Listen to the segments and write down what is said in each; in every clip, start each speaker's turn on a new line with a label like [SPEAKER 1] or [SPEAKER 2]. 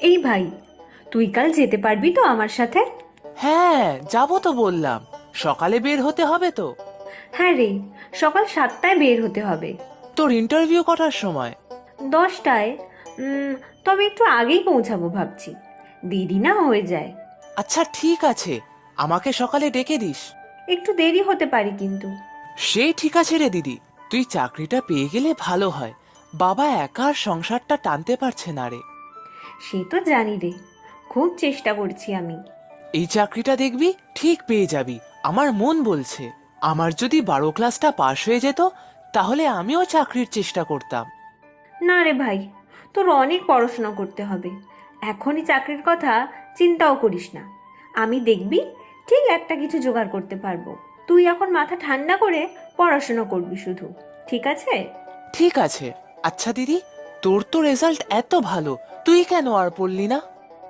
[SPEAKER 1] এই ভাই, তুই কাল যেতে পারবি তো আমার সাথে?
[SPEAKER 2] হ্যাঁ, যাবো তো বললাম। সকালে বের হতে হবে তো।
[SPEAKER 1] হ্যাঁ রে, সকাল 7টায় বের হতে হবে।
[SPEAKER 2] তোর ইন্টারভিউ কটার সময়?
[SPEAKER 1] 10টায়। তবে একটু আগেই পৌঁছাবো ভাবছি, দেরি না হয়ে যায়।
[SPEAKER 2] আচ্ছা ঠিক আছে, আমাকে সকালে ডেকে দিস।
[SPEAKER 1] একটু দেরি হতে পারে কিন্তু।
[SPEAKER 2] সে ঠিক আছে রে দিদি, তুই চাকরিটা পেয়ে গেলে ভালো হয়। বাবা একা আর সংসারটা টানতে পারছে না রে।
[SPEAKER 1] সে তো জানি রে, খুব চেষ্টা করছি আমি।
[SPEAKER 2] এই চাকরিটা দেখবি ঠিক পেয়ে যাবি, আমার মন বলছে। আমার যদি 12 ক্লাসটা পাশ হয়ে যেত, তাহলে আমিও চাকরির চেষ্টা করতাম।
[SPEAKER 1] না রে ভাই, তোর অনেক পড়াশোনা করতে হবে। এখনই চাকরির কথা চিন্তাও করিস না। আমি দেখবি ঠিক একটা কিছু জোগাড় করতে পারবো। তুই এখন মাথা ঠান্ডা করে পড়াশোনা করবি শুধু, ঠিক আছে?
[SPEAKER 2] ঠিক আছে। আচ্ছা দিদি, তোর তো রেজাল্ট এত ভালো, তুই কেন আর পড়লি না?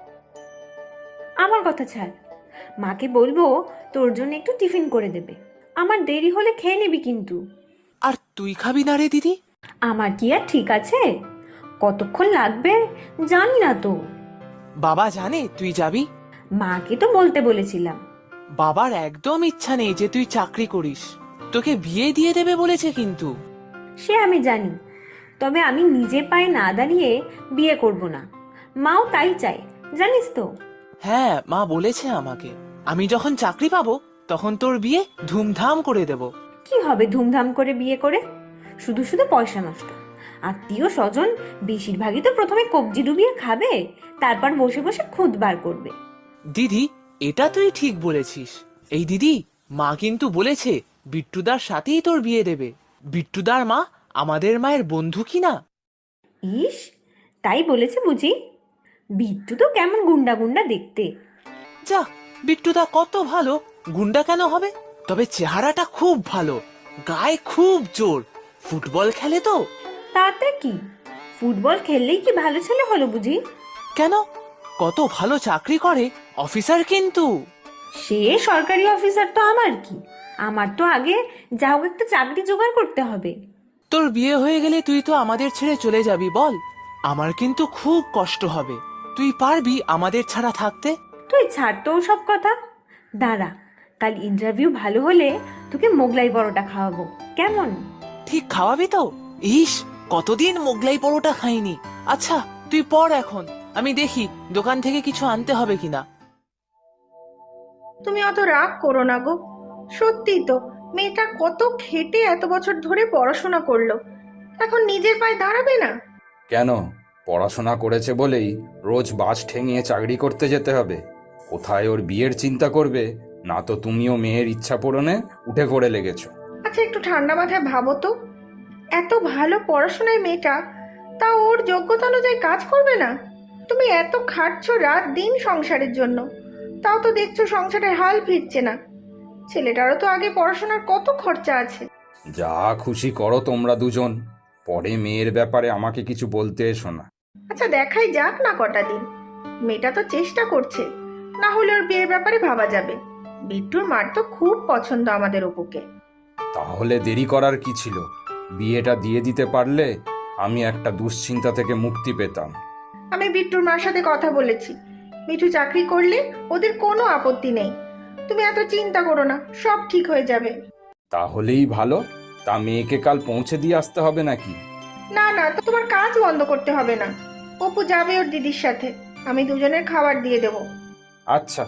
[SPEAKER 1] আমার কথা ছাড়, মাকে বলবো তোর জন্য একটু টিফিন করে দেবে। আমার দেরি হলে খেয়ে নিবি কিন্তু।
[SPEAKER 2] আর তুই খাবি না রে দিদি?
[SPEAKER 1] আমার কি আর ঠিক আছে? কতক্ষণ লাগবে জানি না তো।
[SPEAKER 2] বাবা জানে তুই যাবি?
[SPEAKER 1] মাকে তো বলতে বলেছিলাম।
[SPEAKER 2] বাবার একদম ইচ্ছা নেই যে তুই চাকরি করিস, তোকে বিয়ে দিয়ে দেবে বলেছে কিন্তু।
[SPEAKER 1] সে আমি জানি, তবে আমি নিজে পায়ে না দাঁড়িয়ে বিয়ে করব না। মাও তাই চায়, জানিস তো।
[SPEAKER 2] হ্যাঁ, মা বলেছে আমাকে। আমি যখন চাকরি পাবো তখন তোর বিয়ে ধুমধাম করে দেব।
[SPEAKER 1] কি হবে ধুমধাম করে বিয়ে করে? শুধু শুধু পয়সা নষ্ট। আত্মীয় স্বজন বেশিরভাগই তো প্রথমে কবজি ডুবিয়ে খাবে, তারপর বসে বসে খুদ বার করবে।
[SPEAKER 2] দিদি, এটা তুই ঠিক বলেছিস। এই দিদি, মা কিন্তু বলেছে বিট্টুদার সাথেই তোর বিয়ে দেবে। বিট্টুদার মা আমাদের মায়ের বন্ধু কিনা।
[SPEAKER 1] ইস, তাই বলেছে বুঝি? বিট্টু তো কেমন গুন্ডা গুন্ডা দেখতে।
[SPEAKER 2] যা, বিট্টুদা কত ভালো, গুন্ডা কেন হবে? তবে চেহারাটা খুব ভালো, গায়ে খুব জোর, ফুটবল খেলে তো।
[SPEAKER 1] তাতে কি, ফুটবল খেললেই কি ভালো ছেলে হলো বুঝি?
[SPEAKER 2] কেন, কত ভালো চাকরি করে, অফিসার কিন্তু।
[SPEAKER 1] সে সরকারি অফিসার তো আমার কি, আমার তো আগে যা হোক একটা চাকরি জোগাড় করতে হবে।
[SPEAKER 2] তোর বিয়ে হয়ে গেলে তুই তো আমাদের ছেড়ে চলে যাবি বল। আমার কিন্তু খুব কষ্ট হবে। তুই পারবি আমাদের ছাড়া থাকতে?
[SPEAKER 1] তুই ছাড় তো সব কথা। দাঁড়া, কাল ইন্টারভিউ ভালো হলে তোকে মোগলাই পরোটা খাওয়াবো, কেমন?
[SPEAKER 2] ঠিক খাওয়াবি তো? ইস, কতদিন মোগলাই পরোটা খাইনি। আচ্ছা, তুই পড় এখন, আমি দেখি দোকান থেকে কিছু আনতে হবে কিনা।
[SPEAKER 3] তুমি অত রাগ করো না গো। সত্যি তো, মেয়েটা কত খেটে এত বছর ধরে পড়াশোনা করলো, এখন নিজের পায়ে দাঁড়াবে না?
[SPEAKER 4] কেন? পড়াশোনা করেছে বলেই রোজ বাস ঠেঙিয়ে চাকরি করতে যেতে হবে? কোথায় ওর বিয়ের চিন্তা করবে, না তো তুমিও মেয়ের ইচ্ছা পূরণে উঠে পড়ে লেগেছো।
[SPEAKER 3] আচ্ছা একটু ঠান্ডা মাথায় ভাবো তো, এত ভালো পড়াশোনায় মেয়েটা, তা ওর যোগ্যতা অনুযায়ী কাজ করবে না? তুমি এত খাটছো রাত দিন সংসারের জন্য, তাও তো দেখছো সংসারের হাল ফিরছে না। ছেলেটারও তো আগে পড়াশোনার কত খরচা আছে।
[SPEAKER 4] যা খুশি করো তোমরা দুজন, পরে মেয়ের ব্যাপারে আমাকে কিছু বলতে এসো না।
[SPEAKER 3] আচ্ছা দেখাই যাক না কটা দিন, মেয়েটা তো চেষ্টা করছে, না হলে ওর বিয়ের ব্যাপারে ভাবা যাবে। বিট্টুর মার তো খুব পছন্দ আমাদের অপুকে।
[SPEAKER 4] তাহলে দেরি করার কি ছিল? বিয়েটা দিয়ে দিতে পারলে আমি একটা দুশ্চিন্তা থেকে মুক্তি পেতাম।
[SPEAKER 3] আমি বিট্টুর মার সাথে কথা বলেছি, মিঠু চাকরি করলে ওদের কোনো আপত্তি নেই। তুমি এত চিন্তা করো না, সব ঠিক হয়ে যাবে।
[SPEAKER 4] তাহলেই ভালো। তা মেয়েকে কাল পৌঁছে দিয়ে আসতে হবে নাকি?
[SPEAKER 3] না না, তোমার কাজ বন্ধ করতে হবে না। অপু যাবে ওর দিদির সাথে, আমি দুজনের খাবার দিয়ে দেবো।
[SPEAKER 4] আচ্ছা।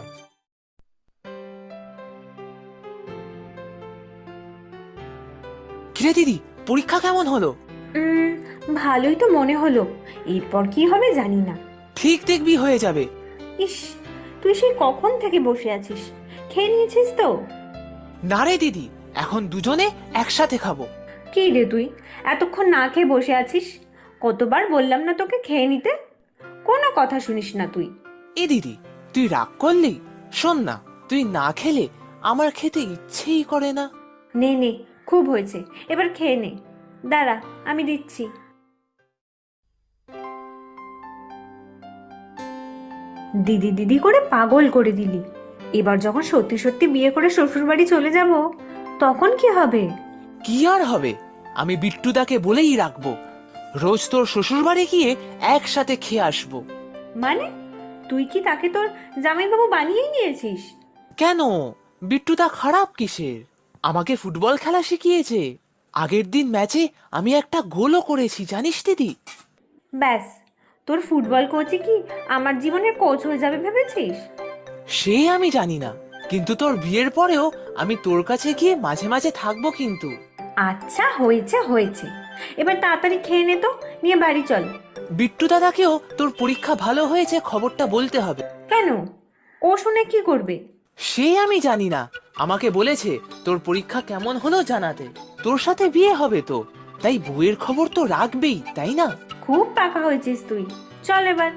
[SPEAKER 2] কিরে দিদি, পরীক্ষা কেমন হলো?
[SPEAKER 1] উম, ভালোই তো মনে হলো, এরপর কি হবে জানি না।
[SPEAKER 2] ঠিক দেখবি হয়ে যাবে।
[SPEAKER 1] ইস, তুই সেই কখন থেকে বসে আছিস, খেয়ে নিয়েছিস তো?
[SPEAKER 2] না রে দিদি, এখন দুজনে একসাথে খাবো।
[SPEAKER 1] কি রে তুই, এতক্ষণ না খেয়ে বসে আছিস? কতবার বললাম না তোকে খেয়ে নিতে, কোনো কথা শুনিস না তুই।
[SPEAKER 2] এ দিদি, তুই রাগ করলি? শোন না, তুই না খেলে আমার খেতে ইচ্ছেই করে না।
[SPEAKER 1] নে নে, খুব হয়েছে, এবার খেয়ে নে। দাঁড়া, আমি দিচ্ছি। দিদি দিদি করে পাগল করে দিলি। এবার যখন সত্যি সত্যি বিয়ে করে শ্বশুরবাড়ি চলে যাব, তখন কি হবে?
[SPEAKER 2] কি আর হবে, আমি বিট্টুদাকে বলেই রাখবো, রোজ তোর শ্বশুর বাড়ি গিয়ে একসাথে খেয়ে আসবো।
[SPEAKER 1] মানে তুই কি তাকে তোর জামাইবাবু বানিয়েই নিয়েছিস?
[SPEAKER 2] কেন? বিট্টুদা খারাপ কিসের? আমাকে ফুটবল খেলা শিখিয়েছে। আগের দিন ম্যাচে আমি একটা গোলও করেছি, জানিস দিদি?
[SPEAKER 1] ব্যাস, তোর ফুটবল কোচই কি আমার জীবনের কোচ হয়ে যাবে ভেবেছিস?
[SPEAKER 2] সে আমি জানি না, কিন্তু তোর বিয়ের পরেও আমি তোর কাছে গিয়ে মাঝে মাঝে থাকবো কিন্তু।
[SPEAKER 1] আচ্ছা, হয়েছে হয়েছে, এবার তাড়াতাড়ি খেয়ে নে তো, নিয়ে বাড়ি চল।
[SPEAKER 2] বিট্টু দাদাকেও তোর পরীক্ষা ভালো হয়েছে খবরটা বলতে হবে।
[SPEAKER 1] কেন? ও শুনে কি করবে?
[SPEAKER 2] সে আমি জানি না, আমাকে বলেছে তোর পরীক্ষা কেমন হলো জানাতে। তোর সাথে বিয়ে হবে তো, তাই বউয়ের খবর তো রাখবেই, তাই না?
[SPEAKER 1] খুব পাকা হয়েছিস তুই, চল এবার।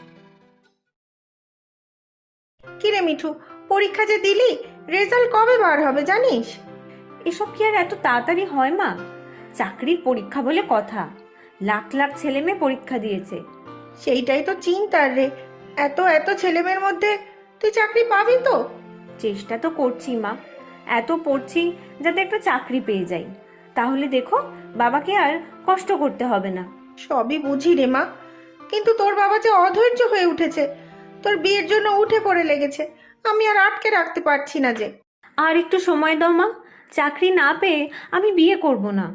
[SPEAKER 3] কিরে মিঠু, পরীক্ষা যে দিলি, রেজাল্ট কবে বার হবে জানিস?
[SPEAKER 1] এসব কি আর এত তাড়াতাড়ি হয় মা? চাকরির পরীক্ষা বলে কথা, লাখ লাখ ছেলে মেয়ে পরীক্ষা দিয়েছে।
[SPEAKER 3] সেইটাই তো চিন্তার রে, এত এত ছেলেমেয়ের মধ্যে তুই চাকরি পাবি তো?
[SPEAKER 1] চেষ্টা তো করছি মা, এত পড়ছি যাতে একটা চাকরি পেয়ে যাই, তাহলে দেখো বাবাকে আর কষ্ট করতে হবে না।
[SPEAKER 3] সবই বুঝি রে মা, কিন্তু তোর বাবা যে অধৈর্য হয়ে উঠেছে, তোর বিয়ের জন্য উঠে পড়ে লেগেছে। আমি আর আটকে রাখতে পারছি না যে।
[SPEAKER 1] আর একটু সময় দাও মা, চাকরি না পেয়ে আমি বিয়ে করব না।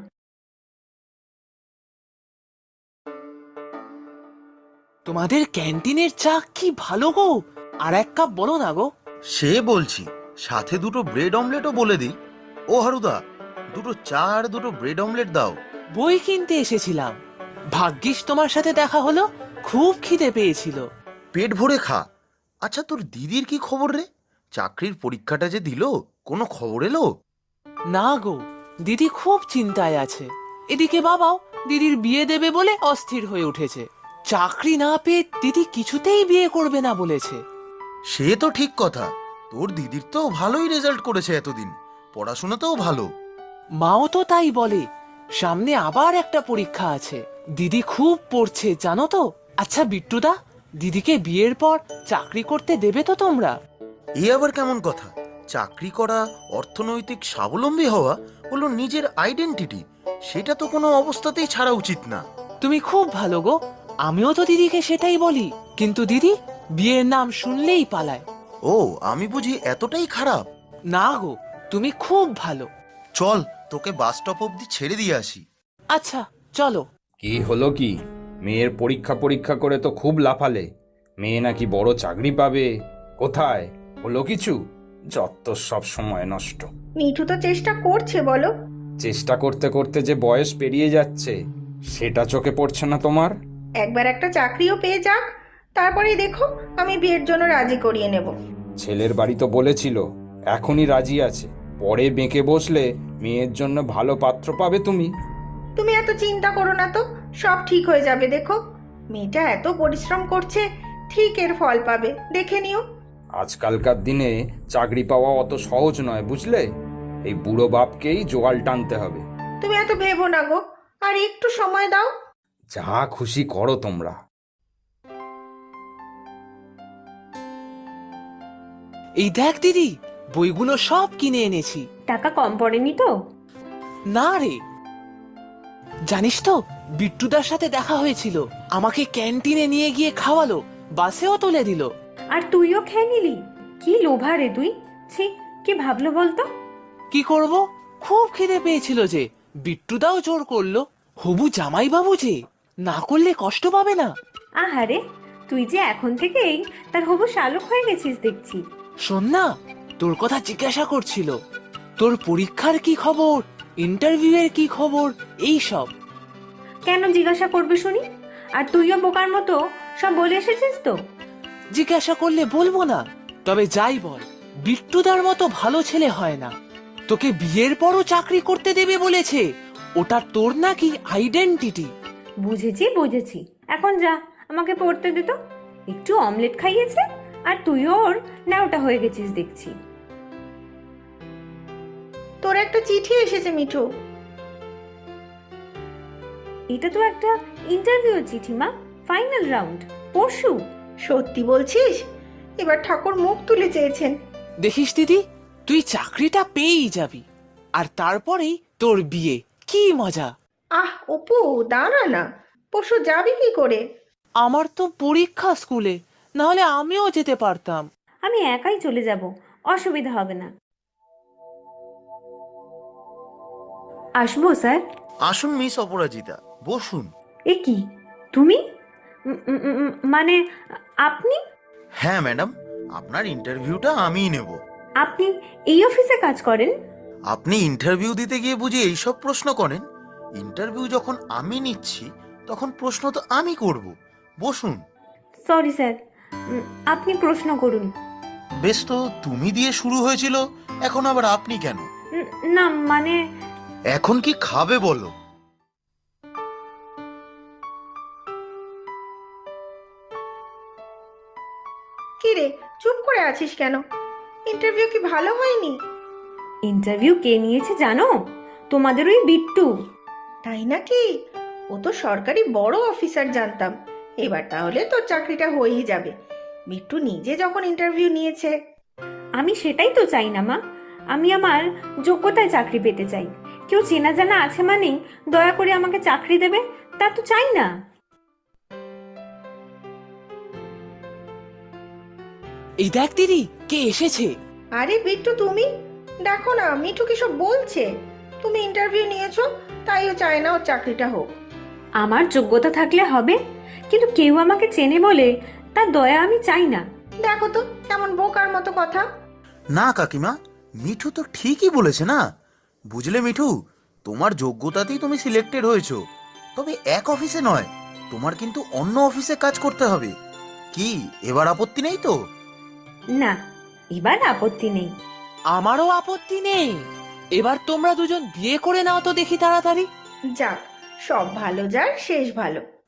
[SPEAKER 2] তোমাদের ক্যান্টিনের চা কি ভালো গো, আর এক কাপ বলো না গো।
[SPEAKER 5] সে বলছি, সাথে দুটো ব্রেড অমলেটও বলে দিই। ও হারুদা, দুটো চা আর দুটো ব্রেড অমলেট দাও।
[SPEAKER 2] বই কিনতে এসেছিলাম, ভাগ্যিস তোমার সাথে দেখা হলো, খুব খিদে পেয়েছিল।
[SPEAKER 5] পেট ভরে খা। আচ্ছা, তোর দিদির কি খবর রে? চাকরির পরীক্ষাটা যে দিল, কোনো খবর এলো?
[SPEAKER 2] না গো, দিদি খুব চিন্তায় আছে। এদিকে বাবাও দিদির বিয়ে দেবে বলে অস্থির হয়ে উঠেছে। চাকরি না পেয়ে দিদি কিছুতেই বিয়ে করবে না বলেছে।
[SPEAKER 5] সে তো ঠিক কথা, তোর দিদির তো ভালোই রেজাল্ট করেছে এতদিন, পড়াশোনাতেও ভালো।
[SPEAKER 2] মাও তো তাই বলে। সামনে আবার একটা পরীক্ষা আছে, দিদি খুব পড়ছে জানো তো। আচ্ছা বিট্টুদা, দিদিকে বিয়ের পর চাকরি করতে দেবে তো তোমরা?
[SPEAKER 5] এ আবার কেমন কথা? চাকরি করা, অর্থনৈতিক স্বাবলম্বী হওয়া হলো নিজের আইডেন্টিটি, সেটা তো কোনো অবস্থাতেই ছাড়া উচিত না।
[SPEAKER 2] তুমি খুব ভালো গো, আমিও তো দিদিকে সেটাই বলি, কিন্তু দিদি বিয়ের নাম শুনলেই পালায়।
[SPEAKER 5] ও, আমি বুঝি এতটাই খারাপ?
[SPEAKER 2] না গো, তুমি খুব ভালো।
[SPEAKER 5] চল, তোকে বাস স্টপ অব্দি ছেড়ে দিয়ে আসি।
[SPEAKER 2] আচ্ছা চলো।
[SPEAKER 4] কি হলো কি? মেয়ের পরীক্ষা পরীক্ষা করে তো খুব লাফালে, মেয়ে নাকি বড় চাকরি পাবে। কোথায় হলো কিছু? যত সব সময় নষ্ট।
[SPEAKER 3] মিঠু তো চেষ্টা করছে বলো।
[SPEAKER 4] চেষ্টা করতে করতে যে বয়স পেরিয়ে যাচ্ছে, সেটা চোখে পড়ছে না তোমার?
[SPEAKER 3] একবার একটা চাকরিও পেয়ে যাক, তারপরেই দেখো আমি বিয়ের জন্য রাজি করিয়ে নেব।
[SPEAKER 4] ছেলের বাড়ি তো বলেছিল এখনই রাজি আছে, পরে বেঁকে বসলে মেয়ের জন্য ভালো পাত্র পাবে তুমি।
[SPEAKER 3] তুমি এত চিন্তা করো না তো, সব ঠিক হয়ে যাবে। দেখো, মেয়েটা এত পরিশ্রম করছে, ঠিক এর ফল পাবে, দেখে নিও।
[SPEAKER 4] আজকালকার দিনে চাকরি পাওয়া অত সহজ নয় বুঝলে, এই বুড়ো বাপকেই জোগাল টানতে হবে।
[SPEAKER 3] তুমি এত ভেবো না গো, আর একটু সময় দাও।
[SPEAKER 4] যা খুশি করো তোমরা।
[SPEAKER 2] এই দেখ দিদি, বইগুলো সব কিনে এনেছি।
[SPEAKER 1] টাকা কম পড়েনি তো?
[SPEAKER 2] না রে, জানিস তো বিট্টুদার সাথে দেখা হয়েছিল, আমাকে ক্যান্টিনে নিয়ে গিয়ে খাওয়ালো, বাসেও তুলে দিল।
[SPEAKER 1] আর তুইও খেয়ে নিলি? কি লোভা রে তুই! ছি, কি ভাবলো বলতো?
[SPEAKER 2] কি করব, খুব খিদে পেয়েছিল যে, বিট্টুদাও জোর করলো। হবু জামাই বাবু যে, না করলে কষ্ট পাবে না।
[SPEAKER 1] আহারে, তুই যে এখন থেকেই তার হবু শালক হয়ে গেছিস দেখছি।
[SPEAKER 2] শোন না, তোর কথা জিজ্ঞাসা করছিল, তোর পরীক্ষার কি খবর, ইন্টারভিউ এর কি খবর, এই সব।
[SPEAKER 1] কেন জিজ্ঞাসা করবে শুনি? আর তুইও বোকার মতো সব বলে এসেছিস তো?
[SPEAKER 2] জিজ্ঞাসা করলে বলবো না, তবে যাই বল, বিট্টুদার মতো ভালো ছেলে হয় না। তোকে বিয়ের পরও চাকরি করতে দেবে বলেছে, ওটা তোর নাকি আইডেন্টিটি।
[SPEAKER 1] বুঝেছি বুঝেছি, এখন যা, আমাকে পড়তে দে তো। একটু অমলেট খাইয়েছে আর তুইও ওর ন্যাওটা হয়ে গেছিস দেখছি।
[SPEAKER 3] তোর একটা চিঠি এসেছে মিঠু।
[SPEAKER 1] এটা তো একটা ইন্টারভিউ চিঠি মা, ফাইনাল রাউন্ড, পরশু।
[SPEAKER 3] সত্যি বলছিস? এবার ঠাকুর মুখ তুলে চেয়েছেন।
[SPEAKER 2] দেখিস দিদি, তুই চাকরিটা পেয়েই যাবি, আর তারপরেই তোর বিয়ে, কি মজা।
[SPEAKER 3] আহ অপু, দাঁড়া না, পরশু যাবি কি করে?
[SPEAKER 2] আমার তো পরীক্ষা স্কুলে, না হলে আমিও যেতে পারতাম।
[SPEAKER 1] আমি একাই চলে যাব, অসুবিধা হবে না। আসবো স্যার?
[SPEAKER 5] আসুন মিস অপরাজিতা, বসুন।
[SPEAKER 1] এ কি, তুমি? মানে আপনি?
[SPEAKER 5] হ্যাঁ ম্যাডাম, আপনার ইন্টারভিউটা আমিই নেব।
[SPEAKER 1] আপনি এই অফিসে কাজ করেন?
[SPEAKER 5] আপনি ইন্টারভিউ দিতে গিয়ে বুঝি এইসব প্রশ্ন করেন? ইন্টারভিউ যখন আমি নিচ্ছি তখন প্রশ্ন তো আমি করব। বসুন।
[SPEAKER 1] সরি স্যার, আপনি প্রশ্ন করুন।
[SPEAKER 5] বেশ, তো তুমি দিয়ে শুরু হয়েছিল, এখন আবার আপনি কেন?
[SPEAKER 1] না মানে
[SPEAKER 5] এখন কি খাবে বলো?
[SPEAKER 3] কি রে, চুপ করে আছিস কেন? ইন্টারভিউ কি ভালো হয়নি?
[SPEAKER 1] ইন্টারভিউ কে নিয়েছে জানো? তোমাদের ওই বিট্টু।
[SPEAKER 3] তাই নাকি? ও তো সরকারি বড় অফিসার জানতাম। এবার তাহলে তোর চাকরিটা হয়েই যাবে। বিট্টু নিজে যখন ইন্টারভিউ নিয়েছে।
[SPEAKER 1] আমি সেটাই তো চাই না মা। আমি আমার যোগ্যতায় চাকরি পেতে চাই। কেউ চেনা জানা আছে মানেই দয়া করে আমাকে চাকরি দেবে, তা তো চাই না।
[SPEAKER 2] এই দেখ দিদি, কে এসেছে।
[SPEAKER 3] আরে বিট্টু, তুমি দেখো না, মিঠু কি সব বলছে। তুমি ইন্টারভিউ নিয়েছো, তাই ও চায় না ওর চাকরিটা হোক।
[SPEAKER 1] আমার যোগ্যতা থাকলে হবে, কিন্তু কেউ আমাকে চেনে বলে তার দয়া আমি চাই না।
[SPEAKER 3] দেখো তো কেমন বোকার মতো কথা।
[SPEAKER 5] না কাকিমা, মিঠু তো ঠিকই বলেছে না। বুঝলে মিঠু, তোমার যোগ্যতাতেই তুমি সিলেক্টেড হয়েছো, তবে এক অফিসে নয়, তোমার কিন্তু অন্য অফিসে কাজ করতে হবে। কি এবার আপত্তি নেই তো?
[SPEAKER 1] না, এবার আপত্তি নেই।
[SPEAKER 2] আমারও আপত্তি নেই। এবার তোমরা দুজন বিয়ে করে নাও তো দেখি তাড়াতাড়ি।
[SPEAKER 3] যাক, সব ভালো যার শেষ ভালো।